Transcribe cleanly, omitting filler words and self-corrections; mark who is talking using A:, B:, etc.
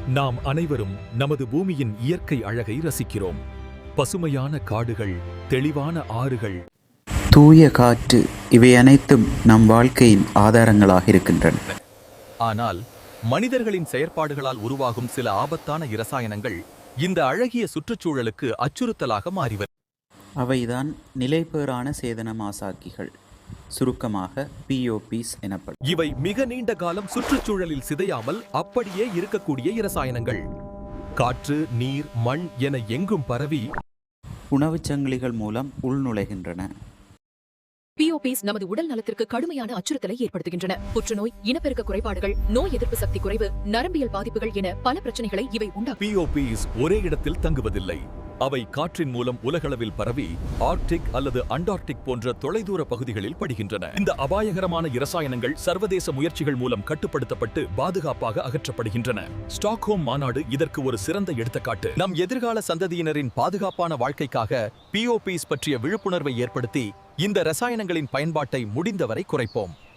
A: நாம் அனைவரும் நமது பூமியின் இயற்கை அழகை ரசிக்கிறோம். பசுமையான காடுகள், தெளிவான ஆறுகள்,
B: தூய காற்று, இவை அனைத்தும் நம் வாழ்க்கையின் ஆதாரங்களாக இருக்கின்றன.
A: ஆனால் மனிதர்களின் செயற்பாடுகளால் உருவாகும் சில ஆபத்தான இரசாயனங்கள் இந்த அழகிய சுற்றுச்சூழலுக்கு அச்சுறுத்தலாக மாறிவர்.
B: அவைதான் நிலைபேறான சேதன மாசாக்கிகள், சுருக்கமாக POPs எனப்படும்.
A: இவை மிக நீண்ட காலம் சுற்றுச்சூழலில் சிதையாமல் அப்படியே இருக்கக்கூடிய இரசாயனங்கள். காற்று, நீர், மண் என எங்கும் பரவி
B: உணவுச் சங்கிலிகள் மூலம் உள்நுழைகின்றன.
C: POPs நமது உடல் நலத்திற்கு கடுமையான அச்சுறுத்தலை ஏற்படுத்துகின்றன. புற்றுநோய், இனப்பெருக்க குறைபாடுகள், நோய் எதிர்ப்பு சக்தி குறைவு, நரம்பியல் பாதிப்புகள் என பல பிரச்சனைகளை இவை உண்டாக்கும்.
A: POPs ஒரே இடத்தில் தங்குவதில்லை. அவை காற்றின் மூலம் உலகளவில் பரவி ஆர்க்டிக் அல்லது அண்டார்டிக் போன்ற தொலைதூர பகுதிகளில் படுகின்றன. இந்த அபாயகரமான இரசாயனங்கள் சர்வதேச முயற்சிகள் மூலம் கட்டுப்படுத்தப்பட்டு பாதுகாப்பாக அகற்றப்படுகின்றன. ஸ்டாக்ஹோம் மாநாடு இதற்கு ஒரு சிறந்த எடுத்துக்காட்டு. நம் எதிர்கால சந்ததியினரின் பாதுகாப்பான வாழ்க்கைக்காக POPs பற்றிய விழிப்புணர்வை ஏற்படுத்தி இந்த இரசாயனங்களின் பயன்பாட்டை முடிந்தவரை குறைப்போம்.